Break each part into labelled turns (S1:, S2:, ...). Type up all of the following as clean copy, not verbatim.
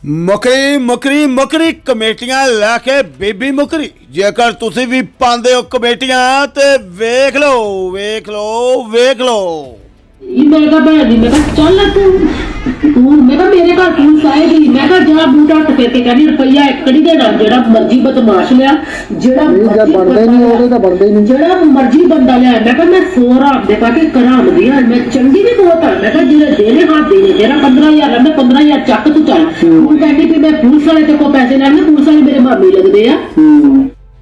S1: ਮੁਕਰੀ ਮੁਕਰੀ ਮੁਕਰੀ ਕਮੇਟੀਆਂ ਲੈ ਕੇ ਬੀਬੀ ਮੁਕਰੀ। ਜੇਕਰ ਤੁਸੀਂ ਵੀ ਪਾਉਂਦੇ ਹੋ ਕਮੇਟੀਆਂ ਤੇ ਵੇਖ ਲਓ ਵੇਖ ਲਓ ਵੇਖ ਲਓ।
S2: मैं कहा भैन जी मैं कहा चल तू मैं कहा मेरे घर पुलिस आएगी मैं कहा जा बूटा टके के कहनी रुपया एकड़ी देना जेड़ा मर्जी बदमाश लिया जेड़ा मर्जी बंदा लिया मैं कहा मैं 100 राम दे पाके कराम दिया मैं चंगी भी बहुत है मैं कहा जेड़े देने हाथ देने तेरा 15,000 मैं 15,000 चक तू चल तू कहनी भी मैं पुलिस वाले ते को पैसे लेने पुलिस वाले मेरे मामी लगदे आ।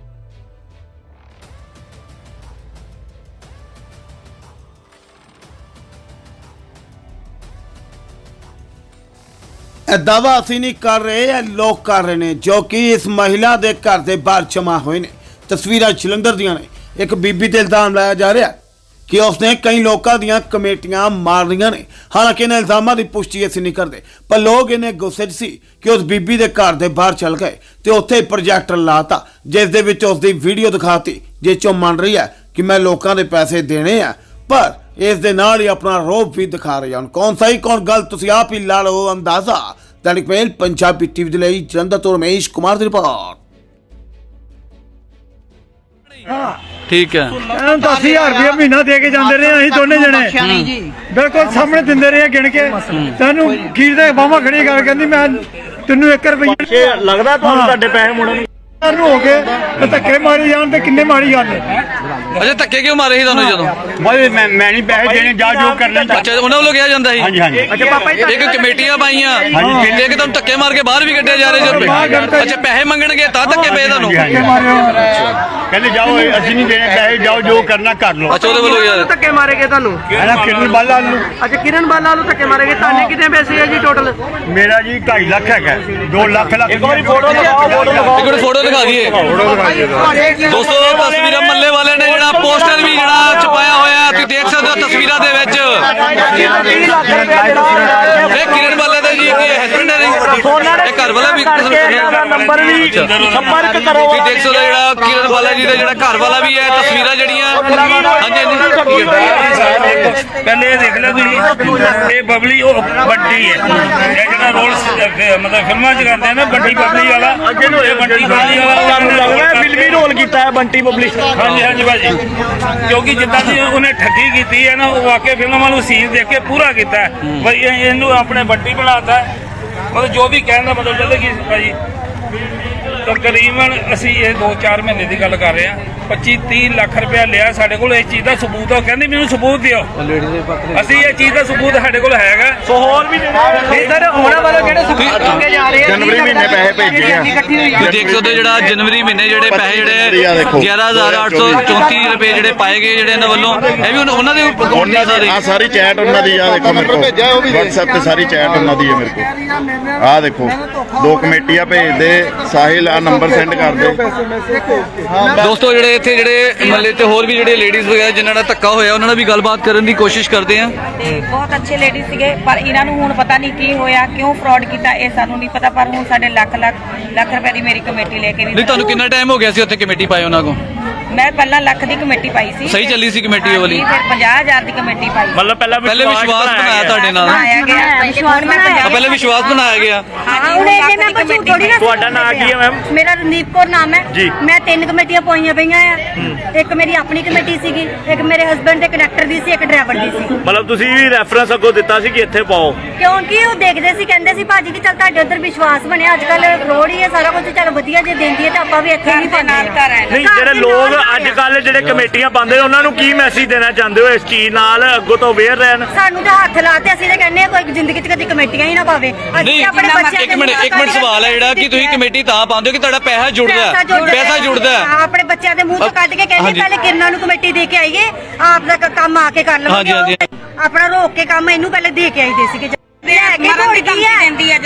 S1: दावा ਅਸੀਂ नहीं कर रहे ਇਹ ਲੋਕ कर रहे हैं जो कि इस महिला ਦੇ ਘਰ ਦੇ ਬਾਹਰ ਜਮਾ ਹੋਏ ਨੇ। ਤਸਵੀਰਾਂ ਜਲੰਧਰ ਦੀਆਂ ਨੇ। ਇੱਕ ਬੀਬੀ ਤੇ ਇਲਜ਼ਾਮ ਲਾਇਆ ਜਾ ਰਿਹਾ ਕਿ ਉਸਨੇ ਕਈ ਲੋਕਾਂ ਦੀਆਂ ਕਮੇਟੀਆਂ ਮਾਰ ਰਹੀਆਂ ਨੇ। ਹਾਲਾਂਕਿ ਇਹਨਾਂ ਇਲਜ਼ਾਮਾਂ ਦੀ ਪੁਸ਼ਟੀ ਅਸੀਂ ਨਹੀਂ ਕਰਦੇ, ਪਰ ਲੋਕ ਇਹਨੇ ਗੁੱਸੇ 'ਚ ਸੀ ਕਿ ਉਸ ਬੀਬੀ ਦੇ ਘਰ ਦੇ ਬਾਹਰ ਚੱਲ ਗਏ ਤੇ ਉੱਥੇ ਪ੍ਰੋਜੈਕਟਰ ਲਾਤਾ ਜਿਸ ਦੇ ਵਿੱਚ ਉਸ ਦੀ ਵੀਡੀਓ ਦਿਖਾਤੀ ਜਿਸ 'ਚੋਂ ਮੰਨ ਰਹੀ ਹੈ ਕਿ ਮੈਂ ਲੋਕਾਂ ਦੇ ਪੈਸੇ ਦੇਣੇ ਆ, ਪਰ ਇਸ ਦੇ ਨਾਲ ਹੀ ਆਪਣਾ ਰੋਬ ਵੀ ਦਿਖਾ ਰਹੀ ਹਨ। ਕੌਣ ਸਹੀ ਕੌਣ ਗਲਤ ਤੁਸੀਂ ਆਪ ਹੀ ਲਾ ਲਓ ਅੰਦਾਜ਼ਾ। दैनिक मेल पंजाबी टीवी ਦੇ ਲਈ ਜਲੰਧਰ ਤੋਂ ਰਮੇਸ਼ ਕੁਮਾਰ ਦੀ ਰਿਪੋਰਟ।
S3: ठीक है
S4: 10,000 रुपया महीना दे के जाते रहे अं दोनों जने बिल्कुल सामने दिंदे रहे गिन के तेन खीर दे बाहवा खड़ी कर कहती मैं तेन 1 रुपया
S5: लगता पैसे मुड़न
S4: हो गए धक्के मारी जान किन्ने मारी गल
S3: अच्छा धक्के क्यों मारे ही ਤੁਹਾਨੂੰ ਜਦੋਂ
S4: भाई मैं नहीं पैसे देने जा जो करना
S3: ਅੱਛਾ ਉਹਨਾਂ ਵੱਲੋਂ ਕਿਹਾ ਜਾਂਦਾ ਸੀ
S4: हाँ जी हाँ जी
S3: ਅੱਛਾ ਪਾਪਾ ਇੱਕ ਕਮੇਟੀਆਂ ਪਾਈਆਂ ਤੇ ਇੱਕ ਤੁਹਾਨੂੰ ਧੱਕੇ ਮਾਰ ਕੇ ਬਾਹਰ ਵੀ ਕੱਢਿਆ ਜਾ ਰਿਹਾ ਜਦੋਂ ਅੱਛਾ ਪੈਸੇ ਮੰਗਣਗੇ ਤਾਂ ਧੱਕੇ ਪਏ ਤੁਹਾਨੂੰ
S4: कहते जाओ असि नहीं देने पैसे जाओ जो करना कर लो।
S3: ਅੱਛਾ ਉਹਦੇ ਵੱਲੋਂ ਯਾਰ
S6: ਧੱਕੇ ਮਾਰੇਗੇ ਤੁਹਾਨੂੰ
S4: किरण बाला
S6: ਅੱਛਾ ਕਿਰਨ ਬਾਲਾ ਨੂੰ ਧੱਕੇ ਮਾਰੇਗੇ ਤੁਹਾਡੇ ਕਿੰਨੇ ਪੈਸੇ ਹੈ ਜੀ ਟੋਟਲ
S4: मेरा जी 2.5 लाख है 2 लाख
S3: ਇੱਕ ਮਿੰਟ ਫੋਟੋ ਦਿਖਾ ਦਈਏ ਦੋਸਤੋ। ਤਸਵੀਰਾਂ ਮੱਲੇ ਵਾਲੇ ਨੇ ਜਿਹੜਾ ਪੋਸਟਰ ਵੀ ਜਿਹੜਾ ਛਪਾਇਆ ਹੋਇਆ ਤੁਸੀਂ ਦੇਖ ਸਕਦੇ ਹੋ ਤਸਵੀਰਾਂ ਦੇ ਵਿੱਚ। ਇਹ ਕਿਰਨ ਬਾਲਾ ਦਾ ਜੀ ਹਸਬੰਡ ਹੈ ਇਹ ਘਰ ਵਾਲਾ ਵੀ
S5: ਨੰਬਰ ਵੀ ਸੰਪਰਕ ਕਰੋ।
S3: ਤੁਸੀਂ ਦੇਖ ਸਕਦੇ ਹੋ ਜਿਹੜਾ ਕਿਰਨ ਬਾਲਾ ਜੀ ਦਾ ਜਿਹੜਾ ਘਰ ਵਾਲਾ ਵੀ ਹੈ। ਤਸਵੀਰਾਂ ਜਿਹੜੀਆਂ ਹਾਂਜੀ
S5: ਪਹਿਲੇ ਇਹ ਦੇਖ ਲਓ ਤੁਸੀਂ ਇਹ ਬਬਲੀ ਉਹ ਵੱਡੀ ਹੈ ਇਹ ਜਿਹੜਾ ਰੋਲ ਮਤਲਬ ਫਿਲਮਾਂ 'ਚ ਕਰਦੇ ਨੇ ਵੱਡੀ ਬਬਲੀ ਵਾਲਾ ਇਹ ਵੱਡੀ ਬਬਲੀ ਵਾਲਾ ਫਿਲਮੀ ਰੋਲ ਕੀਤਾ ਹੈ ਬੰਟੀ ਬਬਲੀ। ਹਾਂਜੀ ਹਾਂਜੀ ਭਾਜੀ ਕਿਉਂਕਿ ਜਿੱਦਾਂ ਦੀ ਉਹਨੇ ਠੱਗੀ ਕੀਤੀ ਹੈ ਨਾ ਉਹ ਵਾਕਿਆ ਫਿਲਮਾਂ ਨੂੰ ਸੀਨ ਦੇਖ ਕੇ ਪੂਰਾ ਕੀਤਾ ਬਈ ਇਹਨੂੰ ਆਪਣੇ ਬੰਟੀ ਬਣਾਤਾ ਮਤਲਬ ਜੋ ਵੀ ਕਹਿਣ ਦਾ ਮਤਲਬ ਚੱਲਦਾ ਕਿ ਭਾਜੀ ਤਕਰੀਬਨ ਅਸੀਂ ਇਹ 2-4 ਮਹੀਨੇ ਦੀ ਗੱਲ ਕਰ ਰਹੇ ਹਾਂ 25-30 ਲੱਖ ਰੁਪਇਆ ਲਿਆ ਸਾਡੇ ਕੋਲ ਇਸ ਚੀਜ਼ ਦਾ ਸਬੂਤ। ਉਹ ਕਹਿੰਦੀ ਮੈਨੂੰ ਸਬੂਤ ਦਿਓ ਅਸੀਂ ਇਹ ਚੀਜ਼ ਦਾ ਸਬੂਤ ਸਾਡੇ ਕੋਲ ਹੈਗਾ। ਸੋ ਹੋਰ ਵੀ
S6: ਸਰ ਉਹਨਾਂ ਵੱਲੋਂ ਜਿਹੜੇ ਸਬੂਤ ਮੰਗੇ ਜਾ ਰਹੇ ਆ
S4: ਜਨਵਰੀ ਮਹੀਨੇ ਪੈਸੇ ਭੇਜੇ ਆ
S3: ਤੁਸੀਂ ਦੇਖ ਸਕਦੇ ਹੋ ਜਿਹੜਾ ਜਨਵਰੀ ਮਹੀਨੇ ਜਿਹੜੇ ਪੈਸੇ ਜਿਹੜੇ 11,834 ਰੁਪਏ ਜਿਹੜੇ ਪਾਏ ਗਏ ਜਿਹੜੇ ਇਹਨਾਂ ਵੱਲੋਂ ਇਹ ਵੀ ਉਹਨਾਂ ਦੇ
S7: ਉਹਨਾਂ ਦੀ ਆ ਸਾਰੀ ਚੈਟ ਉਹਨਾਂ ਦੀ ਆ ਦੇਖੋ ਮੇਰੇ ਕੋਲ WhatsApp ਤੇ ਸਾਰੀ ਚੈਟ ਉਹਨਾਂ ਦੀ ਹੈ ਮੇਰੇ ਕੋਲ। ਆ ਦੇਖੋ 2 ਕਮੇਟੀਆਂ ਭੇਜਦੇ ਸਾਹਿਲ ਆ ਨੰਬਰ ਸੈਂਡ ਕਰ ਦੇ।
S3: ਦੋਸਤੋ ਜਿਹੜੇ ਇੱਥੇ ਜਿਹੜੇ ਮਹੱਲੇ ਤੇ ਹੋਰ ਵੀ ਜਿਹੜੇ ਲੇਡੀਜ਼ ਵਗੈਰਾ ਜਿਨ੍ਹਾਂ ਦਾ ਧੱਕਾ ਹੋਇਆ ਉਹਨਾਂ ਨਾਲ ਵੀ ਗੱਲਬਾਤ ਕਰਨ ਦੀ ਕੋਸ਼ਿਸ਼ ਕਰਦੇ ਆ।
S8: ਤੇ ਬਹੁਤ ਅੱਛੇ ਲੇਡੀਜ਼ ਸੀਗੇ ਪਰ ਇਹਨਾਂ ਨੂੰ ਹੁਣ ਪਤਾ ਨਹੀਂ ਕੀ ਹੋਇਆ ਕਿਉਂ ਫਰਾਡ ਕੀਤਾ ਇਹ ਸਾਨੂੰ ਨਹੀਂ ਪਤਾ। ਪਰ ਹੁਣ ਸਾਡੇ ਲੱਖ ਰੁਪਏ ਦੀ ਮੇਰੀ ਕਮੇਟੀ ਲੈ ਕੇ
S3: ਨਹੀਂ ਤੁਹਾਨੂੰ ਕਿੰਨਾ ਟਾਈਮ ਹੋ ਗਿਆ ਸੀ ਉੱਥੇ ਕਮੇਟੀ ਪਾਈ ਉਹਨਾਂ ਕੋਲ?
S8: ਮੈਂ ਪਹਿਲਾਂ ਲੱਖ ਦੀ ਕਮੇਟੀ ਪਾਈ ਸੀ।
S3: ਸਹੀ ਚੱਲੀ ਸੀ ਕਮੇਟੀ ਉਹ ਵਾਲੀ?
S8: ਫਿਰ 50,000 ਦੀ ਕਮੇਟੀ ਪਾਈ।
S5: ਮਤਲਬ
S3: ਪਹਿਲੇ ਵਿਸ਼ਵਾਸ ਬਣਾਇਆ ਤੁਹਾਡੇ ਨਾਲ? ਪਹਿਲੇ ਵਿਸ਼ਵਾਸ ਬਣਾਇਆ ਗਿਆ।
S5: ਤੁਹਾਡਾ ਨਾਮ ਕੀ ਹੈ ਮੈਮ?
S9: ਮੇਰਾ ਰਣਦੀਪ ਕੌਰ ਨਾਮ ਹੈ। ਮੈਂ 3 ਕਮੇਟੀਆਂ ਪਾਈਆਂ ਪਈਆਂ ਆ। ਇੱਕ ਮੇਰੀ ਆਪਣੀ ਕਮੇਟੀ ਸੀਗੀ, ਇੱਕ ਮੇਰੇ ਹਸਬੰਡ ਦੇ ਕਨੈਕਟਰ ਦੀ ਸੀ, ਇੱਕ ਡਰਾਈਵਰ ਦੀ ਸੀ।
S5: ਮਤਲਬ ਤੁਸੀਂ ਵੀ ਰੈਫਰੈਂਸ ਅੱਗੋਂ ਦਿੱਤਾ ਸੀ ਕਿ ਇੱਥੇ ਪਾਓ
S9: ਕਿਉਂਕਿ ਉਹ ਦੇਖਦੇ ਸੀ ਕਹਿੰਦੇ ਸੀ ਭਾਜੀ ਕਿ ਚੱਲ ਤੁਹਾਡੇ ਉੱਧਰ ਵਿਸ਼ਵਾਸ ਬਣਿਆ ਅੱਜ ਕੱਲ ਫਰੋਡ ਹੀ ਹੈ ਸਾਰਾ ਕੁਝ ਚੱਲ ਵਧੀਆ ਜੇ ਦਿੰਦੀ ਹੈ ਤਾਂ ਆਪਾਂ ਵੀ ਇੱਥੇ ਹੀ ਪਾਉਂਦੇ ਹਾਂ।
S5: ਨਹੀਂ ਜਿਹੜੇ ਲੋਕ ਅੱਜ ਕੱਲ ਜਿਹੜੇ ਕਮੇਟੀਆਂ ਪਾਉਂਦੇ ਉਹਨਾਂ ਨੂੰ ਕੀ ਮੈਸੇਜ ਦੇਣਾ ਚਾਹੁੰਦੇ ਹੋ ਇਸ ਚੀਜ਼ ਨਾਲ ਅੱਗੋਂ ਤੋਂ ਅਵੇਅਰ ਰਹਿਣ?
S9: ਸਾਨੂੰ ਤਾਂ ਹੱਥ ਲਾਤੇ ਅਸੀਂ ਤਾਂ ਕਹਿੰਦੇ ਕੋਈ ਜ਼ਿੰਦਗੀ 'ਚ ਕਦੀ ਕਮੇਟੀਆਂ ਹੀ ਨਾ ਪਾਵੇ।
S3: ਨਹੀਂ ਇੱਕ ਮਿੰਟ ਸਵਾਲ ਹੈ ਜਿਹੜਾ ਕਿ ਤੁਸੀਂ ਕਮੇਟੀ ਤਾਂ ਪਾਉਂਦੇ ਹੋ ਕਿ ਤੁਹਾਡਾ ਪੈਸਾ ਜੁੜਦਾ ਹੈ।
S9: ਆਪਣੇ ਬੱਚਿਆਂ ਦੇ ਮੂੰਹ ਤੋਂ ਕੱਢ ਕੇ ਕਹਿੰਦੇ ਪਹਿਲੇ ਕਿਰਨਾਂ ਨੂੰ ਕਮੇਟੀ ਦੇ ਕੇ ਆਈਏ ਆਪ ਦਾ ਕੰਮ ਆ ਕੇ ਕਰ ਲਵਾਂਗੇ। ਆਪਣਾ ਰੋਕ ਕੇ ਕੰਮ ਇਹਨੂੰ ਪਹਿਲੇ ਦੇ ਕੇ ਆਈਦੇ ਸੀਗੇ।
S3: ਕੀ ਕਹਿੰਦੀ ਹੈ?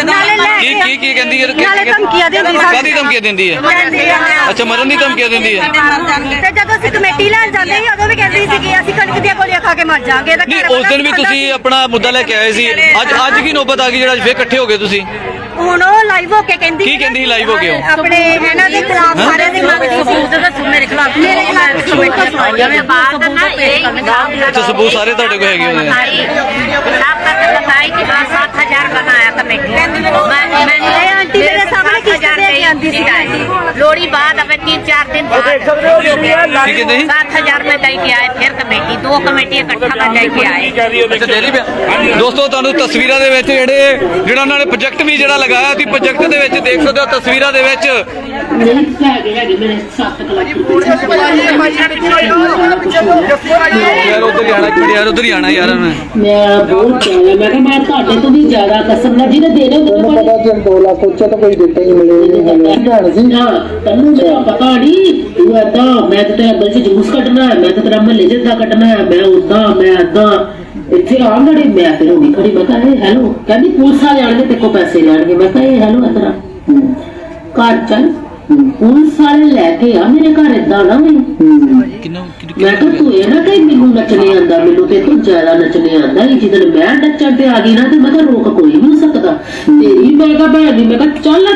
S9: ਨਾਲੇ ਧਮਕੀਆਂ ਦਿੰਦੀ
S3: ਕਾਹਦੀ ਧਮਕੀਆਂ ਦਿੰਦੀ ਹੈ? ਅੱਛਾ ਮਰਨ ਦੀ ਧਮਕੀਆਂ ਦਿੰਦੀ ਹੈ।
S9: ਤੇ ਜਦੋਂ ਅਸੀਂ ਕਮੇਟੀ ਲੈਣ ਜਾਂਦੇ ਸੀ ਉਦੋਂ ਵੀ ਕਹਿੰਦੀ ਸੀ ਕਿ ਅਸੀਂ ਕਣਕ ਦੀਆਂ ਗੋਲੀਆਂ ਖਾ ਕੇ ਮਰ ਜਾਾਂਗੇ।
S3: ਨਹੀਂ ਉਸ ਦਿਨ ਵੀ ਤੁਸੀਂ ਆਪਣਾ ਮੁੱਦਾ ਲੈ ਕੇ ਆਏ ਸੀ। ਅੱਜ ਕੀ ਨੌਬਤ ਆ ਗਈ ਜਿਹੜਾ ਫੇਰ ਇਕੱਠੇ ਹੋ ਗਏ ਤੁਸੀਂ?
S9: ਹੁਣ ਉਹ ਲਾਈਵ ਹੋ ਕੇ ਕਹਿੰਦੀ
S3: ਕੀ ਕਹਿੰਦੀ ਲਾਈਵ ਹੋ ਕੇ ਉਹ?
S9: ਆਪਣੇ ਇਹਨਾਂ ਦੇ ਖਿਲਾਫ ਸਾਰਿਆਂ ਦੇ
S3: ਅੱਛਾ ਸਬੂਤ ਸਾਰੇ ਤੁਹਾਡੇ ਕੋਲ ਹੈਗੇ ਹੋਣੇ?
S9: 7,000 बनाया कमेटी मैंने ਬੰਦੀ शिकायत लोड़ी बाद अब 3-4 दिन बाद
S3: ठीक है नहीं
S9: 7,000 में दे के आए फिर कमेटी 2 कमेटी इकट्ठा में दे के आए
S3: ਅੱਛਾ ਜੇਲੀ ਪਿਆ ਦੋਸਤੋ ਤੁਹਾਨੂੰ ਤਸਵੀਰਾਂ ਦੇ ਵਿੱਚ ਜਿਹੜਾ ਉਹਨਾਂ ਨੇ ਪ੍ਰੋਜੈਕਟ ਵੀ ਜਿਹੜਾ ਲਗਾਇਆ ਸੀ ਪ੍ਰੋਜੈਕਟ ਦੇ ਵਿੱਚ ਦੇਖ ਸਕਦੇ ਹੋ ਤਸਵੀਰਾਂ ਦੇ ਵਿੱਚ
S2: ਹੈਗੇ ਮੇਰੇ 7 ਲੱਖ
S3: ਯਾਰ ਉਧਰ ਹੀ ਆਣਾ ਕਿਹੜੇ ਯਾਰ ਉਧਰ ਹੀ ਆਣਾ ਯਾਰ ਮੈਂ
S2: ਬਹੁਤ ਚਾਹਿਆ ਮੈਂ ਕਿਹਾ ਮੈਂ ਤੁਹਾਡੇ ਤੋਂ ਵੀ ਜ਼ਿਆਦਾ ਕਸਮ ਨਾਲ ਜਿਹਨੇ ਦੇਣੇ ਉਹਨੂੰ ਪਤਾ ਕਿ 2 ਲੱਖ ਉੱਚਾ ਤਾਂ ਕੋਈ ਦਿੱਤਾ ਹੀ ਮਿਲੇ ਨਾ ਤੈਨੂੰ ਮੇਰਾ ਪਤਾ ਨਹੀਂ ਤੂੰ ਏਦਾਂ ਮੈਂ ਤੇ ਤੇਰਾ ਦਿਲ 'ਚ ਜੂਸ ਕੱਢਣਾ ਹੈ ਮੈਂ ਤੇ ਤੇਰਾ ਮਹੱਲੇ 'ਚ ਏਦਾਂ ਕੱਢਣਾ ਹੈ ਮੈਂ ਉਦਾਂ ਮੈਂ ਏਦਾਂ ਇੱਥੇ ਆਉਣ ਲੜੀ ਮੈਂ ਫਿਰ ਹੋ ਗਈ ਖੜੀ ਮੈਂ ਕਿਹਾ ਇਹ ਹੈਲੋ ਕਹਿੰਦੀ ਪੁਲਿਸ ਵਾਲੇ ਆਣਗੇ ਤੇ ਕੋ ਪੈਸੇ ਲੈਣਗੇ ਮੈਂ ਕਿਹਾ ਇਹ ਹੈਲੋ ਇਤਰਾ ਘਰ ਚੱਲ ਪੁਲਿਸ ਵਾਲੇ ਲੈ ਕੇ ਆ ਮੇਰੇ ਘਰ ਏਦਾਂ ਨਾ ਮੈਨੂੰ ਮੈਂ ਕਿਹਾ ਤੂੰ ਇਹ ਨਾ ਕਹੀਂ ਮੈਨੂੰ ਨੱਚਣੇ ਆਂਦਾ ਮੈਨੂੰ ਤੇ ਤੂੰ ਜ਼ਿਆਦਾ ਨੱਚਣੇ ਆਂਦਾ ਜਦੋਂ ਮੈਂ ਨੱਚਣ ਤੇ ਆ ਗਈ ਨਾ ਤੇ ਮੈਂ ਕਿਹਾ ਰੋਕ ਕੋਈ ਨਹੀਂ ਸਕਦਾ ਤੇਰੀ ਮੈਂ ਕਿਹਾ ਭੈਣ ਦੀ ਮੈਂ ਕਿਹਾ ਚੱਲ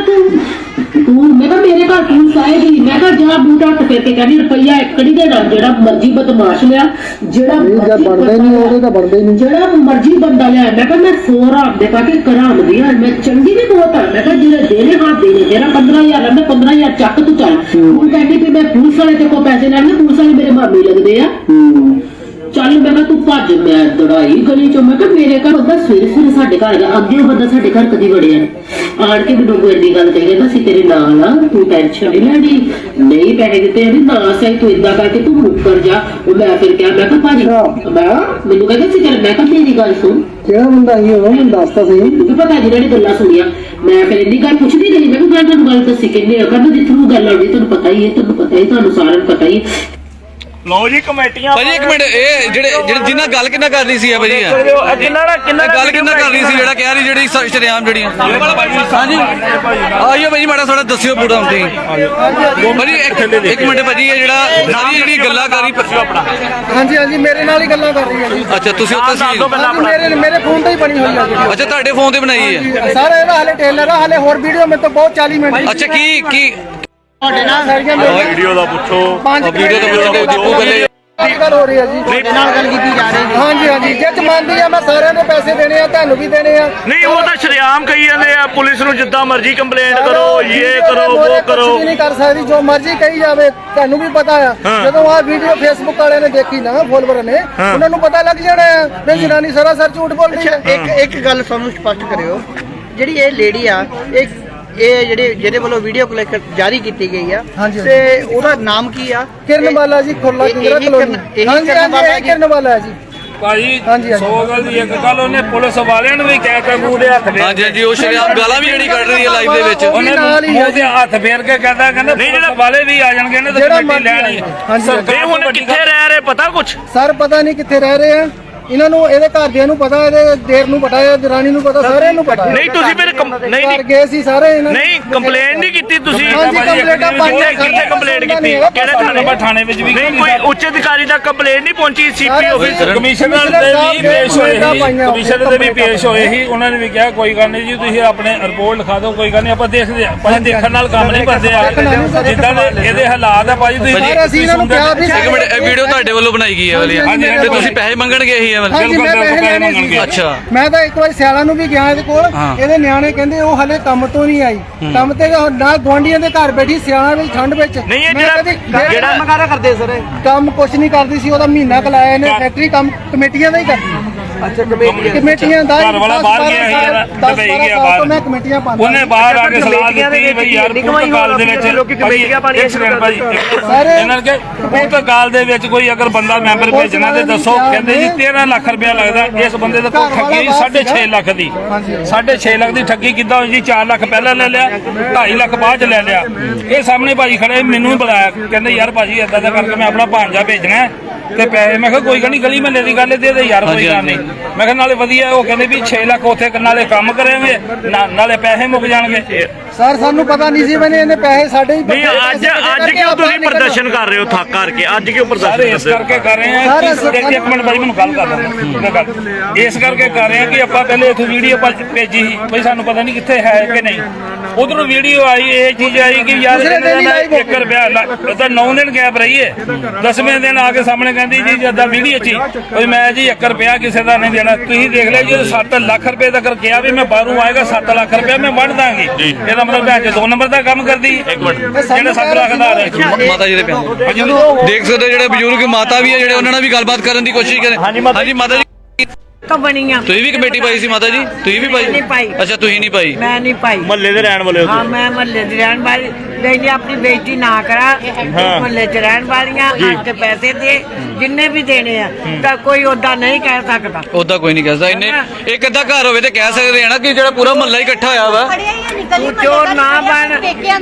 S2: ਤੂੰ ਮੈਂ ਕਿਹਾ ਮੇਰੇ ਘਰ ਪੁਲਿਸ ਆਏਗੀ ਮੈਂ ਕਿਹਾ ਜਾ ਬੂਟਾ ਹੱਥ ਫੇਰ ਕੇ ਕਹਿੰਦੀ ਰੁਪਈਆ ਇੱਕੜੀ ਦੇ ਨਾਲ ਜਿਹੜਾ ਮਰਜ਼ੀ ਬਦਮਾਸ਼ ਲਿਆ ਜਿਹੜਾ ਬਣਦਾ ਨਹੀਂ ਉਹਦੇ ਤਾਂ ਬਣਦਾ ਹੀ ਨਹੀਂ ਜਿਹੜਾ ਮਰਜ਼ੀ ਬੰਦਾ ਲਿਆ ਮੈਂ ਕਿਹਾ ਮੈਂ 100 ਰਾਤ ਦੇ ਪਾ ਕੇ ਕਰਾਉਂਦੀ ਆ ਮੈਂ ਚੰਗੀ ਵੀ ਬਹੁਤ ਆ ਮੈਂ ਕਿਹਾ ਜਿਹੜੇ ਦੇਣੇ ਹੱਥ ਦੇਣੇ ਤੇਰਾ 15,000 ਮੈਂ 15,000 ਚੱਕ ਤੂੰ ਚੱਲ ਹੁਣ ਕਹਿੰਦੀ ਵੀ ਮੈਂ ਪੁਲਿਸ ਵਾਲੇ ਤੇ ਕੋ ਪੈਸੇ ਲੈਣੇ ਪੁਲਿਸ ਵਾਲੇ ਮੇਰੇ ਮਾਮੇ ਲੱਗਦੇ ਆ ਚੱਲ ਮੈਂ ਕਿਹਾ ਤੂੰ ਭੱਜ ਮੈਂ ਦੌੜਾਈ ਗਲੀ ਚੋਂ ਮੈਂ ਕਿਹਾ ਮੇਰੇ ਘਰ ਬੰਦਾ ਸਵੇਰੇ ਸਾਡੇ ਘਰ ਗਿਆ ਅੱਗੇ ਉਹ ਬੰਦਾ ਸਾਡੇ ਘਰ ਕਦੀ ਵੜਿਆ ਆਣ ਕੇ ਮੈਨੂੰ ਕੋਈ ਐਡੀ ਗੱਲ ਕਹੀ ਕਹਿੰਦਾ ਸੀ ਤੇਰੇ ਨਾਲ ਆ ਤੂੰ ਟੈਨਸ਼ਨ ਨਹੀਂ ਲੈਣੀ ਨਹੀਂ ਪੈਸੇ ਦਿੱਤੇ ਇਹਦੀ ਨਾ ਸਹੀ ਤੂੰ ਏਦਾਂ ਕਰਕੇ ਤੂੰ ਮੁੱਕਰ ਜਾ ਉਹ ਮੈਂ ਫਿਰ ਕਿਹਾ ਮੈਂ ਕਿਹਾ ਭਾਜੀ ਮੈਨੂੰ ਕਹਿੰਦਾ ਸੀ ਚੱਲ ਮੈਂ ਕਿਹਾ ਤੇਰੀ ਗੱਲ ਸੁਣ ਕਿਹੜਾ ਬੰਦਾ ਹੀ ਹੋਣਾ ਮੈਨੂੰ ਦੱਸਦਾ ਸਹੀ ਤੂੰ ਪਤਾ ਜਿਹਨਾਂ ਨੇ ਗੱਲਾਂ ਸੁਣੀਆਂ ਮੈਂ ਫਿਰ ਇੰਨੀ ਗੱਲ ਪੁੱਛਦੀ ਰਹੀ ਮੈਂ ਕਿਹਾ ਤੁਹਾਨੂੰ ਗੱਲ ਦੱਸੀ ਕਿੰਨੇ ਕਹਿੰਦਾ ਜਿੱਥੋਂ ਗੱਲ ਆਉਂਦੀ ਤੁਹਾਨੂੰ ਪਤਾ ਹੀ ਹੈ ਤੁਹਾਨੂੰ ਸਾਰਿਆਂ ਨੂੰ ਪਤਾ ਹੀ ਹੈ
S5: ਲਓ ਜੀ ਕਮੇਟੀਆਂ
S3: ਭਾਜੀ ਇੱਕ ਮਿੰਟ ਇਹ ਜਿਹੜੇ ਜਿੰਨਾ ਗੱਲ ਕਿੰਨਾ ਕਰ ਰਹੀ ਸੀ ਭਾਜੀ
S5: ਕਿੰਨਾ
S3: ਗੱਲ ਕਿੰਨਾ ਕਰ ਰਹੀ ਸੀ ਜਿਹੜਾ ਕਹਿ ਰਹੀ ਜਿਹੜੀ ਸ਼ਰੇਆਮ ਜਿਹੜੀਆਂ ਹਾਂਜੀ ਆਈਓ ਭਾਜੀ ਮਾੜਾ ਥੋੜਾ ਦੱਸਿਓ ਪੂਰਾ ਹੁੰਦੀ ਭਾਜੀ ਇੱਕ ਮਿੰਟ ਭਾਜੀ ਇਹ ਜਿਹੜਾ ਸਾਰੀ ਜਿਹੜੀ ਗੱਲਾਂ ਕਰ ਰਹੀ ਆਪਣਾ
S4: ਹਾਂਜੀ ਹਾਂਜੀ ਮੇਰੇ ਨਾਲ ਹੀ ਗੱਲਾਂ ਕਰ ਰਹੀ ਹੈ ਜੀ
S3: ਅੱਛਾ ਤੁਸੀਂ ਉੱਤੇ
S4: ਮੇਰੇ ਫੋਨ ਤੇ ਹੀ ਬਣੀ ਹੋਈ ਹੈ
S3: ਅੱਛਾ ਤੁਹਾਡੇ ਫੋਨ ਤੇ ਬਣਾਈ ਹੈ
S4: ਸਰ ਇਹਦਾ ਹਾਲੇ ਟੇਲਰ ਆ ਹਾਲੇ ਹੋਰ ਵੀਡੀਓ ਮੇਰੇ ਤੋਂ ਬਹੁਤ 40 ਮਿੰਟ
S3: ਅੱਛਾ ਕੀ
S4: ਤੁਹਾਡੇ ਨਾਲ ਸਾਰੀਆਂ
S5: ਵੀਡੀਓ ਦਾ ਪੁੱਛੋ
S3: ਵੀਡੀਓ ਤਾਂ ਪੁੱਛਦੇ ਦੀਪੂ ਗੱਲੇ
S4: ਗੱਲ ਹੋ ਰਹੀ ਹੈ ਜੀ ਤੁਹਾਡੇ ਨਾਲ ਗੱਲ ਕੀਤੀ ਜਾ ਰਹੀ ਹੈ ਹਾਂਜੀ ਹਾਂਜੀ ਜੇ ਮੰਨਦੀ ਆ ਮੈਂ ਸਾਰਿਆਂ ਦੇ ਪੈਸੇ ਦੇਣੇ ਆ ਤੁਹਾਨੂੰ ਵੀ ਦੇਣੇ ਆ
S5: ਨਹੀਂ ਉਹ ਤਾਂ ਸ਼ਰੇਆਮ ਕਹੀ ਜਾਂਦੇ ਆ ਪੁਲਿਸ ਨੂੰ ਜਿੱਦਾਂ ਮਰਜ਼ੀ ਕੰਪਲੇਂਟ ਕਰੋ ਇਹ ਕਰੋ ਉਹ ਕਰੋ
S4: ਕੁਝ ਨਹੀਂ ਕਰ ਸਕਦੀ ਜੋ ਮਰਜ਼ੀ ਕਹੀ ਜਾਵੇ ਤੁਹਾਨੂੰ ਵੀ ਪਤਾ ਆ ਜਦੋਂ ਆਹ ਵੀਡੀਓ ਫੇਸਬੁੱਕ ਵਾਲਿਆਂ ਨੇ ਦੇਖੀ ਨਾ ਫੋਲੋਵਰ ਨੇ ਉਹਨਾਂ ਨੂੰ ਪਤਾ ਲੱਗ ਜਾਣਾ ਹੈ ਕਿ ਜਨਾਨੀ ਸਰਾਸਰ ਝੂਠ ਬੋਲਦੀ ਹੈ
S6: ਇੱਕ ਗੱਲ ਸਾਨੂੰ ਸਪਸ਼ਟ ਕਰਿਓ ਜਿਹੜੀ ਇਹ ਲੇਡੀ ਆ ਇਹ ਜਿਹਦੇ ਵੱਲੋਂ ਵੀਡੀਓ ਕਲਿੱਪ ਜਾਰੀ ਕੀਤੀ ਗਈ ਆ ਤੇ ਉਹਦਾ ਨਾਮ ਕੀ ਆ
S4: ਕਿਰਨਵਾਲਾ ਜੀ ਖੁਰਲਾ ਕਿੰਗਰਾ ਕਲੋਨੀ ਹਾਂਜੀ ਹਾਂਜੀ ਕਿਰਨਵਾਲਾ ਜੀ
S5: ਭਾਜੀ 100 ਗੱਲ ਦੀ ਇੱਕ ਗੱਲ ਉਹਨੇ ਪੁਲਿਸ ਵਾਲਿਆਂ ਨੂੰ ਵੀ ਕਹਿ ਕੇ ਮੂੰਹ ਦੇ ਹੱਥ ਫੇਰ
S3: ਹਾਂਜੀ ਹਾਂਜੀ ਉਹ ਸ਼ਰੇਆਮ ਗਾਲਾਂ ਵੀ ਜਿਹੜੀ ਕੱਢ ਰਹੀ ਹੈ ਲਾਈਵ ਦੇ ਵਿੱਚ
S5: ਉਹਨੇ ਮੂੰਹ ਦੇ ਹੱਥ ਫੇਰ ਕੇ ਕਹਿੰਦਾ ਨਹੀਂ ਜਿਹੜਾ ਵਾਲੇ ਵੀ ਆ ਜਾਣਗੇ ਨਾ ਤਾਂ ਕਮੇਟੀ ਲੈਣੀ ਸਰਕਾਰ ਹੁਣ ਕਿੱਥੇ ਰਹਿ ਰਹੇ ਪਤਾ ਕੁਛ
S4: ਸਰ ਪਤਾ ਨਹੀਂ ਕਿੱਥੇ ਰਹਿ ਰਹੇ ਆ ਇਹਨਾਂ ਨੂੰ ਇਹਦੇ ਘਰਦਿਆਂ ਨੂੰ ਪਤਾ ਇਹਦੇ ਦੇਰ ਨੂੰ ਪਤਾ ਹੈ ਦਰਾਣੀ ਨੂੰ ਪਤਾ ਸਾਰਿਆਂ ਨੂੰ ਪਤਾ
S5: ਨਹੀਂ ਤੁਸੀਂ ਫਿਰ ਨਹੀਂ
S4: ਗਏ ਸੀ ਸਾਰੇ ਇਹਨਾਂ
S5: ਨਹੀਂ ਕੰਪਲੇਂਟ ਨਹੀਂ ਕੀਤੀ ਤੁਸੀਂ
S4: ਕੰਪਲੇਂਟਾਂ ਪਾਈਆਂ
S5: ਕਿੱਥੇ ਕੰਪਲੇਂਟ ਕੀਤੀ ਕਿਹੜੇ ਥਾਣੇ ਪਰ ਥਾਣੇ ਵਿੱਚ ਵੀ ਨਹੀਂ ਕੋਈ ਉੱਚ ਅਧਿਕਾਰੀ ਤੱਕ ਕੰਪਲੇਂਟ ਨਹੀਂ ਪਹੁੰਚੀ ਸੀਪੀ ਆਫਿਸ ਕਮਿਸ਼ਨਰ ਦੇ ਵੀ ਪੇਸ਼ ਹੋਏ ਸੀ ਕਮਿਸ਼ਨਰ ਦੇ ਵੀ ਪੇਸ਼ ਹੋਏ ਸੀ ਉਹਨਾਂ ਨੇ ਵੀ ਕਿਹਾ ਕੋਈ ਗੱਲ ਨਹੀਂ ਜੀ ਤੁਸੀਂ ਆਪਣੇ ਰਿਪੋਰਟ ਲਿਖਾ ਦਿਓ ਕੋਈ ਗੱਲ ਨਹੀਂ ਆਪਾਂ ਦੇਖਦੇ ਆ ਪਰ ਦੇਖਣ ਨਾਲ ਕੰਮ ਨਹੀਂ ਕਰਦੇ ਆ ਜਿੱਦਾਂ ਦੇ ਇਹਦੇ ਹਾਲਾਤ ਆ ਭਾਜੀ ਤੁਸੀਂ
S4: ਅਸੀਂ ਇਹਨਾਂ ਨੂੰ ਕਿਹਾ ਵੀ
S3: ਇੱਕ ਮਿੰਟ ਇਹ ਵੀਡੀਓ ਤੁਹਾਡੇ ਵੱਲੋਂ ਬਣਾਈ ਗਈ ਹੈ ਵਾਲੀ ਤੇ ਤੁਸੀਂ ਪੈਸੇ ਮੰਗਣਗੇ ਇਹੀ
S4: ਅੱਛਾ ਮੈਂ ਤਾਂ ਇੱਕ ਵਾਰ ਸਿਆਲਾਂ ਨੂੰ ਵੀ ਗਿਆ ਇਹਦੇ ਕੋਲ ਇਹਦੇ ਨਿਆਣੇ ਕਹਿੰਦੇ ਉਹ ਹਲੇ ਕੰਮ ਤੋਂ ਨਹੀਂ ਆਈ ਕੰਮ ਤੇ ਨਾ ਗਵਾਂਢੀਆਂ ਦੇ ਘਰ ਬੈਠੀ ਸਿਆਲਾਂ ਵਿੱਚ ਠੰਡ ਵਿੱਚ
S5: ਨਹੀਂ ਇਹ ਜਿਹੜਾ
S4: ਕੰਮ ਕਰਦੇ ਸਰ ਕੰਮ ਕੁਛ ਨਹੀਂ ਕਰਦੀ ਸੀ ਉਹਦਾ ਮਹੀਨਾ ਕਲਾਇਆ ਇਹਨੇ ਫੈਕਟਰੀ ਕੰਮ ਕਮੇਟੀਆਂ ਦਾ ਹੀ ਕਰਦੀ ਅੱਛਾ ਕਮੇਟੀਆਂ ਦਾ
S5: ਘਰ ਵਾਲਾ ਬਾਹਰ ਗਿਆ ਸੀ ਯਾਰ ਦੁਬਈ ਗਿਆ ਬਾਹਰ
S4: ਮੈਂ ਕਮੇਟੀਆਂ ਪਾਉਂਦਾ
S5: ਉਹਨੇ ਬਾਹਰ ਆ ਕੇ ਸਲਾਹ ਦਿੱਤੀ ਬਈ ਯਾਰ ਪੁਰਤਗਾਲ ਦੇ ਵਿੱਚ ਲੋਕੀ ਕਮੇਟੀਆਂ ਪਾਣੀ ਇਹਨਾਂ ਕੇ ਪੁਰਤਗਾਲ ਦੇ ਵਿੱਚ ਕੋਈ ਅਗਰ ਬੰਦਾ ਮੈਂਬਰ ਭੇਜਣਾ ਤੇ ਦੱਸੋ ਕਹਿੰਦੇ ਜੀ 13 ਲੱਖ ਰੁਪਇਆ ਲੱਗਦਾ ਇਸ ਬੰਦੇ ਦੇ ਕੋਲ ਠੱਗੀ 6.5 ਲੱਖ ਦੀ 6.5 ਲੱਖ ਦੀ ਠੱਗੀ ਕਿੱਦਾਂ ਹੋਈ ਜੀ 4 ਲੱਖ ਪਹਿਲਾਂ ਲੈ ਲਿਆ 2.5 ਲੱਖ ਬਾਅਦ ਚ ਲੈ ਲਿਆ ਇਹ ਸਾਹਮਣੇ ਭਾਜੀ ਖੜੇ ਮੈਨੂੰ ਬੁਲਾਇਆ ਕਹਿੰਦੇ ਯਾਰ ਭਾਜੀ ਏਦਾਂ ਦਾ ਕਰਕੇ ਮੈਂ ਆਪਣਾ ਭਾਂਜਾ ਭੇਜਣਾ ਤੇ ਪੈਸੇ ਮੈਂ ਕਿਹਾ ਕੋਈ ਗੱਲ ਨਹੀਂ ਗਲੀ ਮਹੱਲੇ ਦੀ ਗੱਲ ਦੇ ਦੇ ਯਾਰ ਕੋਈ ਗੱਲ ਨਹੀਂ ਮੈਂ ਕਿਹਾ ਨਾਲੇ ਵਧੀਆ ਉਹ ਕਹਿੰਦੇ ਵੀ 6 ਲੱਖ ਉੱਥੇ ਨਾਲੇ ਕੰਮ ਕਰਾਂਗੇ ਨਾਲੇ ਪੈਸੇ ਮੁੱਕ ਜਾਣਗੇ
S4: ਸਰ ਸਾਨੂੰ ਪਤਾ ਨਹੀਂ ਸੀ ਮੈਨੇ ਇਹਨੇ ਪੈਸੇ ਸਾਡੇ ਹੀ
S5: ਨਹੀਂ ਅੱਜ ਕਿਉਂ ਤੁਸੀਂ ਪ੍ਰਦਰਸ਼ਨ ਕਰ ਰਹੇ ਹੋ ਥੱਕ ਕਰਕੇ ਅੱਜ ਕਿਉਂ ਪ੍ਰਦਰਸ਼ਨ ਇਸ ਕਰਕੇ ਕਰ ਰਹੇ ਹਾਂ ਇੱਕ ਮਿੰਟ ਭਾਈ ਮੈਨੂੰ ਗੱਲ ਕਰ ਲੈਣ ਇਸ ਕਰਕੇ ਕਰ ਰਹੇ ਹਾਂ ਕਿ ਆਪਾਂ ਪਹਿਲੇ ਇੱਥੇ ਵੀਡੀਓ ਭੇਜੀ ਸੀ ਬਈ ਸਾਨੂੰ ਪਤਾ ਨਹੀਂ ਕਿੱਥੇ ਹੈ ਕਿ ਨਹੀਂ ਉਧਰੋਂ ਵੀਡੀਓ ਆਈ ਇਹ ਚੀਜ਼ ਆਈ ਕਿ ਯਾਰ 1 ਰੁਪਿਆ ਤਾਂ 9 ਦਿਨ ਗੈਪ ਰਹੀ ਹੈ 10ਵੇਂ ਦਿਨ ਆ ਕੇ ਸਾਹਮਣੇ ਕਹਿੰਦੀ ਜੀ ਜਦਾਂ ਵੀਡੀਓ ਚ ਕੋਈ ਮੈਂ ਜੀ 1 ਰੁਪਿਆ ਕਿਸੇ ਦਾ ਨਹੀਂ ਦੇਣਾ ਤੁਸੀਂ ਦੇਖ ਲਿਆ ਜੀ 7 ਲੱਖ ਰੁਪਏ ਤੱਕ ਕਿਹਾ ਵੀ ਮੈਂ ਬਾਹਰੋਂ ਆਏਗਾ 7 ਲੱਖ ਰੁਪਿਆ ਮੈਂ ਵੰਡ ਦਾਂਗੀ ਇਹਦਾ ਮਤਲਬ ਭੈਣ ਚ 2 ਨੰਬਰ ਦਾ ਕੰਮ ਕਰਦੀ ਜਿਹੜੇ 7 ਲੱਖ ਦਾ
S3: ਮਾਤਾ ਜੀ ਦੇ ਪਿਆਰ ਦੇਖ ਸਕਦੇ ਹੋ ਜਿਹੜੇ ਬਜ਼ੁਰਗ ਮਾਤਾ ਵੀ ਹੈ ਜਿਹੜੇ ਉਹਨਾਂ ਨਾਲ ਵੀ ਗੱਲਬਾਤ ਕਰਨ ਦੀ ਕੋਸ਼ਿਸ਼ ਕਰੇ। ਹਾਂਜੀ ਮਾਤਾ ਜੀ
S10: ਬਣੀਆਂ
S3: ਤੁਸੀਂ ਵੀ ਕਮੇਟੀ ਪਾਈ ਸੀ ਮਾਤਾ ਜੀ? ਤੁਸੀਂ ਵੀ
S10: ਨਹੀਂ ਪਾਈ।
S3: ਅੱਛਾ ਤੁਸੀਂ ਨਹੀਂ ਪਾਈ।
S10: ਮੈਂ ਨਹੀਂ ਪਾਈ।
S5: ਮਹੱਲੇ ਦੇ ਰਹਿਣ ਵਾਲੇ ਹੋ
S10: ਹਾਂ ਮੈਂ ਮਹੱਲੇ ਦੀ ਰਹਿਣ ਵਾਲੀ ਨਹੀਂ ਆਪਣੀ ਬੇਇੱਜ਼ਤੀ ਨਾ ਕਰਾ ਮਹੱਲੇ 'ਚ ਰਹਿਣ ਵਾਲੀਆਂ ਤੇ ਪੈਸੇ ਦੇ ਜਿੰਨੇ ਵੀ ਦੇਣੇ ਆ ਤਾਂ ਕੋਈ ਓਦਾਂ ਨਹੀਂ ਕਹਿ ਸਕਦਾ।
S3: ਓਦਾਂ ਕੋਈ ਨਹੀਂ ਕਹਿ ਸਕਦਾ। ਇੰਨੇ ਇੱਕ ਅੱਧਾ ਘਰ ਹੋਵੇ ਤੇ ਕਹਿ ਸਕਦੇ ਆ ਨਾ ਕਿ ਜਿਹੜਾ ਪੂਰਾ ਮਹੱਲਾ ਹੀ ਇਕੱਠਾ ਹੋਇਆ ਵਾ।
S10: ਤੂੰ ਚੋਰ ਨਾ ਬਣ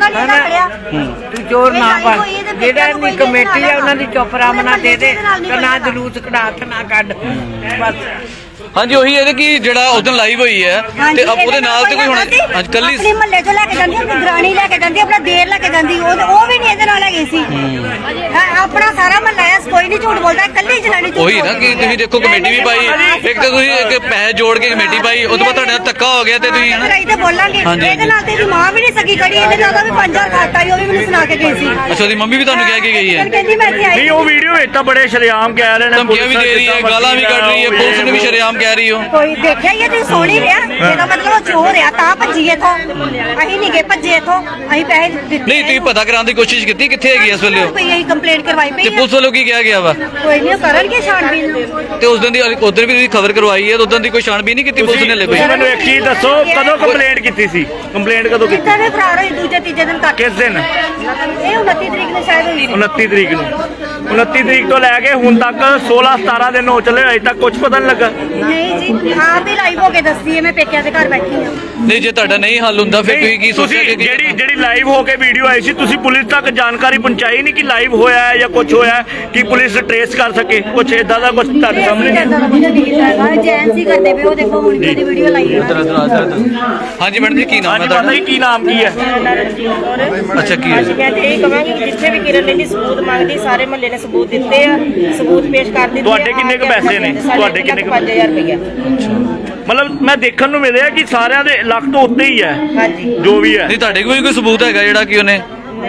S10: ਤੂੰ ਚੋਰ ਨਾ ਬਣ ਜਿਹੜਾ ਦੀ ਕਮੇਟੀ ਆ ਉਹਨਾਂ ਦੀ ਚੁੱਪ ਮਨਾ ਦੇ ਦੇ ਤੇ ਨਾ ਜਲੂਸ ਕਢਾ ਤੇ ਨਾ ਕੱਢ ਬਸ।
S3: ਹਾਂਜੀ ਉਹੀ ਹੈ ਕਿ ਜਿਹੜਾ ਉਦੋਂ ਲਾਈਵ ਹੋਈ ਹੈ ਤੇ ਉਹਦੇ ਨਾਲ ਤੇ ਕੋਈ ਹੁਣ ਅੱਜ ਕੱਲੀ
S9: ਆਪਣੇ ਮਹੱਲੇ ਚੋਂ ਲੈ ਕੇ ਜਾਂਦੀ ਆਪਣੀ ਦਰਾਣੀ ਲੈ ਕੇ ਜਾਂਦੀ ਆਪਣਾ ਦੇਰ ਲੈ ਕੇ ਜਾਂਦੀ ਉਹ ਵੀ ਨਹੀਂ ਇਹਦੇ ਨਾਲ ਹੈਗੀ ਸੀ। ਆਪਣਾ ਸਾਰਾ ਮਹੱਲਾ ਹੈ ਕੋਈ ਨਹੀਂ ਝੂਠ ਬੋਲਦਾ ਕੱਲੀ ਜਨਾਨੀ ਝੂਠ
S3: ਉਹੀ ਨਾ ਕਿ ਤੁਸੀਂ ਦੇਖੋ ਕਮੇਟੀ ਵੀ ਪਾਈ ਇੱਕ ਤਾਂ ਤੁਸੀਂ ਇੱਕ ਪੈਸੇ ਜੋੜ ਕੇ ਕਮੇਟੀ ਪਾਈ ਉਹ ਤੋਂ ਬਾਅਦ ਤੁਹਾਡੇ ਨਾਲ ਧੱਕਾ ਹੋ ਗਿਆ ਤੇ ਤੁਸੀਂ
S9: ਲੜਾਈ ਤੇ ਬੋਲਾਂਗੇ ਇਹਦੇ ਨਾਲ ਤੇ ਮਾਂ ਵੀ ਨਹੀਂ ਸਕੀ ਖੜੀ ਇਹਦੇ ਨਾਲ ਵੀ 5000 ਖਾਤਾ ਹੀ ਉਹ ਵੀ ਮੈਨੂੰ ਸੁਣਾ ਕੇ ਗਈ ਸੀ।
S3: ਅੱਛਾ ਉਹਦੀ ਮੰਮੀ ਵੀ ਤੁਹਾਨੂੰ ਕਹਿ ਕੇ ਗਈ ਹੈ?
S9: ਕਹਿੰਦੀ ਮੈਂ ਇੱਥੇ ਆਈ
S5: ਨਹੀਂ ਉਹ ਵੀਡੀਓ ਵਿੱਚ ਤਾਂ ਬੜੇ ਸ਼ਰੇਆਮ ਕਹਿ ਰਹੇ ਨੇ
S3: ਧਮਕੀਆਂ ਵੀ ਦੇ ਰਹੀ ਹੈ ਗਾਲਾਂ ਵੀ ਕੱਢ ਰਹੀ ਹੈ ਪੁਲਿਸ ਨੂੰ ਵੀ ਸ਼ਰੇਆਮ ਕਹਿ ਰਹੀ ਹੋ।
S9: ਕੋਈ ਦੇਖਿਆ ਹੀ ਤੁਸੀਂ ਸੋਣੀ ਰਿਹਾ ਇਹਦਾ ਮਤਲਬ ਉਹ ਚੋਰ ਆ ਤਾਂ ਭੱਜੀਏ ਤੋਂ ਅਸੀਂ ਨਹੀਂ ਗਏ ਭੱਜੇ ਇਥੋਂ ਅਸੀਂ ਪੈਸੇ ਦਿੱਤੇ
S3: ਨਹੀਂ ਤੁਸੀਂ ਪਤਾ ਕਰਾਉਣ ਦੀ ਕੋਸ਼ਿਸ਼ ਕੀਤੀ ਕਿੱਥੇ ਹੈਗੀ ਇਸ ਵੇਲੇ ਉਹ?
S9: ਅਸੀਂ ਕੰਪਲੇਂਟ ਕਰਵਾਈ
S3: ਤੇ
S9: ਪਈ
S3: ਪੁਲਿਸ ਵੱਲੋਂ ਕੀ ਕਿਹਾ ਗਿਆ ਵਾ?
S9: ਕੋਈ ਨਹੀਂ ਕਰਨਗੇ ਛਾਣਬੀਨ
S3: ਤੇ ਉਸ ਦਿਨ ਦੀ ਉਧਰ ਵੀ ਤੁਸੀਂ ਖਬਰ ਕਰਵਾਈ ਹੈ ਤੇ ਉਦੋਂ ਦੀ ਕੋਈ ਛਾਣਬੀਨ ਨਹੀਂ ਕੀਤੀ ਪੁਲਿਸ ਨੇ ਹਲੇ ਕੋਈ?
S5: ਮੈਨੂੰ ਇੱਕ ਚੀਜ਼ ਦੱਸੋ ਕਦੋਂ ਕੰਪਲੇਂਟ ਕੀਤੀ ਸੀ? ਕੰਪਲੇਂਟ ਕਦੋਂ ਕੀਤੀ?
S9: ਕਿੱਦਾਂ ਦੇ ਫਰਾਰ ਹੋਈ ਦੂਜੇ ਤੀਜੇ ਦਿਨ ਤੱਕ
S5: ਕਿਸ ਦਿਨ?
S9: ਇਹ 29 ਤਰੀਕ ਨੂੰ ਸ਼ਾਇਦ ਹੋਈ
S5: 29 ਤਰੀਕ ਨੂੰ 29 ਤਰੀਕ ਤੋਂ ਲੈ ਕੇ ਹੁਣ ਤੱਕ 16-17 ਦਿਨ ਹੋ ਚੱਲੇ ਅਜੇ ਤੱਕ ਕੁਝ ਪਤਾ ਨਹੀਂ ਲੱਗਾ।
S9: ਨਹੀਂ ਜੀ ਆਪ ਹੀ ਲਾਈਵ ਹੋ ਕੇ ਦੱਸਦੀ ਹੈ ਮੈਂ ਪੇਕਿਆਂ ਦੇ ਘਰ ਬੈਠੀ ਹਾਂ।
S3: ਨਹੀਂ ਜੇ ਤੁਹਾਡਾ ਨਹੀਂ ਹੱਲ ਹੁੰਦਾ ਫਿਰ ਤੁਸੀਂ ਕੀ ਸੋਚਿਆ ਕਿ
S5: ਜਿਹੜੀ ਲਾਈਵ ਹੋ ਕੇ ਵੀਡੀਓ ਆਈ ਸੀ ਤੁਸੀਂ ਪੁਲਿਸ ਤੱਕ ਜਾਣਕਾਰੀ ਪਹੁੰਚਾਈ ਨਹੀਂ ਕਿ ਲਾਈਵ ਹੋਇਆ ਹੈ ਜਾਂ ਕੁਝ ਹੋਇਆ ਕਿ ਪੁਲਿਸ ਟ੍ਰੇਸ ਕਰ ਸਕੇ ਕੁਝ ਇਦਾਂ ਦਾ ਕੁਝ ਤੁਹਾਡੇ ਸਾਹਮਣੇ ਨਹੀਂ?
S9: ਜੈਂਸੀ ਕਰਦੇ ਪਏ ਉਹ ਦੇਖੋ ਹੁਣ ਕਿਹਦੀ ਵੀਡੀਓ ਲਾਈ ਹੈ।
S3: ਹਾਂਜੀ ਮੈਡਮ ਜੀ ਕੀ ਨਾਮ ਹੈ
S5: ਹਾਂਜੀ ਪਤਾ
S3: ਤੁਹਾਡਾ?
S5: ਹੀ ਕੀ ਨਾਮ ਕੀ ਹੈ?
S3: ਅੱਛਾ ਕੀ ਹੈ?
S8: ਮੈਂ ਤੇ ਇਹ ਕਹਾਂਗੀ ਕਿ ਜਿੱਥੇ ਵੀ ਕਿਰਨ ਲੈਂਦੀ ਸਬੂਤ ਮੰਗਦੀ ਸਾਰੇ ਮਹੱਲੇ ਨੇ ਸਬੂਤ ਦਿੱਤੇ ਆ ਸਬੂਤ ਪੇਸ਼ ਕਰ ਦਿੱਤੇ।
S5: ਤੁਹਾਡੇ ਕਿੰਨੇ ਕੁ ਪੈਸੇ ਨੇ? ਤੁਹਾਡੇ ਕਿੰਨੇ ਕੁ
S8: 5000 ਰੁਪਇਆ।
S5: ਮਤਲਬ ਮੈਂ ਦੇਖਣ ਨੂੰ ਮਿਲਿਆ ਕਿ ਸਾਰਿਆਂ ਦੇ ਲੱਖ ਤੋਂ ਉੱਤੇ ਹੀ ਹੈ
S8: ਹਾਂਜੀ
S5: ਜੋ ਵੀ ਹੈ।
S3: ਨਹੀਂ ਤੁਹਾਡੇ ਕੋਲ ਕੋਈ ਸਬੂਤ ਹੈਗਾ ਜਿਹੜਾ ਕਿ ਉਹਨੇ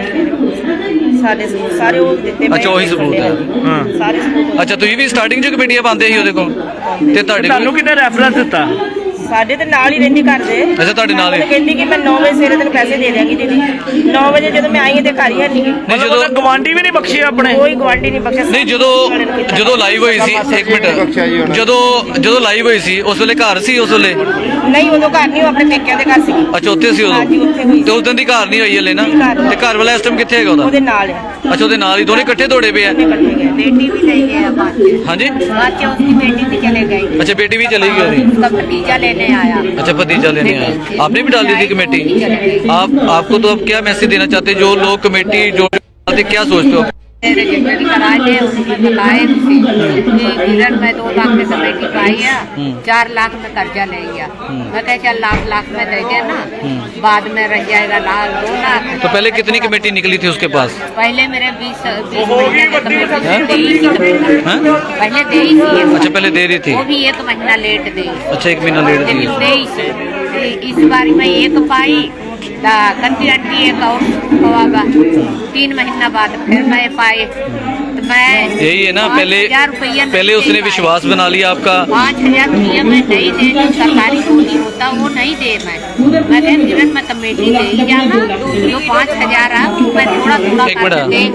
S8: ਸਾਡੇ ਸਬੂਤ ਸਾਰੇ ਉਹ ਦਿੱਤੇ ਪਏ
S3: ਅੱਛਾ ਉਹੀ ਸਬੂਤ ਹੈ।
S5: ਹਾਂ
S8: ਸਾਰੇ ਸਬੂਤ
S3: ਅੱਛਾ ਤੁਸੀਂ ਵੀ ਸਟਾਰਟਿੰਗ 'ਚ ਕਮੇਟੀਆਂ ਪਾਉਂਦੇ ਸੀ ਉਹਦੇ ਕੋਲ ਤੇ ਤੁਹਾਡੇ
S5: ਤੁਹਾਨੂੰ
S3: ਕੋਲ
S5: ਕਿਹਨੇ ਰੈਫਰੈਂਸ ਦਿੱਤਾ?
S8: ਸਾਡੇ ਤੇ ਨਾਲ ਹੀ ਰਹਿੰਦੀ ਘਰ ਦੇ।
S3: ਅੱਛਾ ਤੁਹਾਡੇ ਨਾਲ ਹੀ?
S8: ਉਹ ਕਹਿੰਦੀ ਕਿ ਮੈਂ 9 ਵਜੇ ਸਵੇਰੇ ਤੈਨੂੰ ਪੈਸੇ ਦੇ ਦਿਆਂਗੀ ਦੀਦੀ 9 ਵਜੇ ਜਦੋਂ ਮੈਂ ਆਈ ਤੇ ਘਰ ਹੀ ਨਹੀਂ
S3: ਨਹੀਂ
S5: ਜਦੋਂ
S3: ਜਦੋਂ
S5: ਗਵਾਂਢੀ ਵੀ ਨਹੀਂ ਬਖਸ਼ੇ ਆਪਣੇ?
S8: ਕੋਈ ਗਵਾਂਢੀ ਨਹੀਂ ਬਖਸ਼ਿਆ।
S3: ਨਹੀਂ ਜਦੋਂ ਲਾਈਵ ਹੋਈ ਸੀ ਇੱਕ ਮਿੰਟ ਜਦੋਂ ਲਾਈਵ ਹੋਈ ਸੀ ਉਸ ਵੇਲੇ ਘਰ ਸੀ ਉਸ ਵੇਲੇ?
S8: ਨਹੀਂ ਉਦੋਂ ਘਰ ਨਹੀਂ ਉਹ ਆਪਣੇ ਪੇਕਿਆਂ ਦੇ ਘਰ ਸੀ।
S3: ਅੱਛਾ ਉੱਥੇ ਸੀ
S8: ਹਾਂਜੀ,
S3: ਉਦੋਂ
S8: ਉੱਥੇ ਹੋਈ।
S3: ਤੇ ਉਸ ਦਿਨ ਦੀ ਘਰ ਨਹੀਂ ਹੋਈ ਹਲੇ ਨਾ?
S8: ਨਹੀਂ, ਘਰ
S3: ਤੇ ਘਰ ਵਾਲਾ ਇਸ ਟਾਈਮ ਕਿੱਥੇ ਹੈਗਾ ਉਹਦਾ?
S8: ਉਹਦੇ ਨਾਲ ਆ
S3: ਅੱਛਾ ਉਹਦੇ ਨਾਲ ਹੀ ਦੋਨੇ ਇਕੱਠੇ ਦੌੜੇ ਪਏ ਆ?
S8: ਇਕੱਠੇ ਗਏ
S9: बेटी भी ले गए बाद में
S3: ਹਾਂਜੀ
S9: बाद में उसकी बेटी भी चले गई
S3: अच्छा बेटी भी चली गई होगी।
S9: उसका भतीजा लेने आया
S3: अच्छा भतीजा लेने आया आपने भी डाल दी थी कमेटी? आपको तो अब क्या मैसेज देना चाहते हैं जो लोग कमेटी जो क्या सोचते हो?
S9: रजिस्ट्री कराए थे उसने बताए कि किरण में 2 लाख की कमेटी पाई है 4 लाख में कर्जा ले गया। मैं कह चल लाख में दे देना बाद में रह जाएगा 2 लाख।
S3: तो पहले कितनी कमेटी निकली थी उसके पास?
S9: पहले मेरे 20 महीने की कमेटी दे ही थी कमेटी
S3: हाँ?
S9: पहले दे ही थी
S3: अच्छा पहले दे रही थी।
S9: वो भी 1 महीना लेट दी।
S3: अच्छा 1 महीना लेट दी।
S9: लेकिन 23 इस बार में 1 पाई कंटी अंटी 1 और होगा 3 महीना बाद फिर मैं पाए तो मैं
S3: यही है ना
S9: 5,000 रुपया
S3: पहले उसने विश्वास बना लिया आपका।
S9: 5,000 रुपया मैं नहीं दे जो सरकारी बोली होता वो नहीं दे मैं किरण में कमेटी ले ही जाना जो 5,000 है मैं थोड़ा
S3: एक मिनट।
S9: दे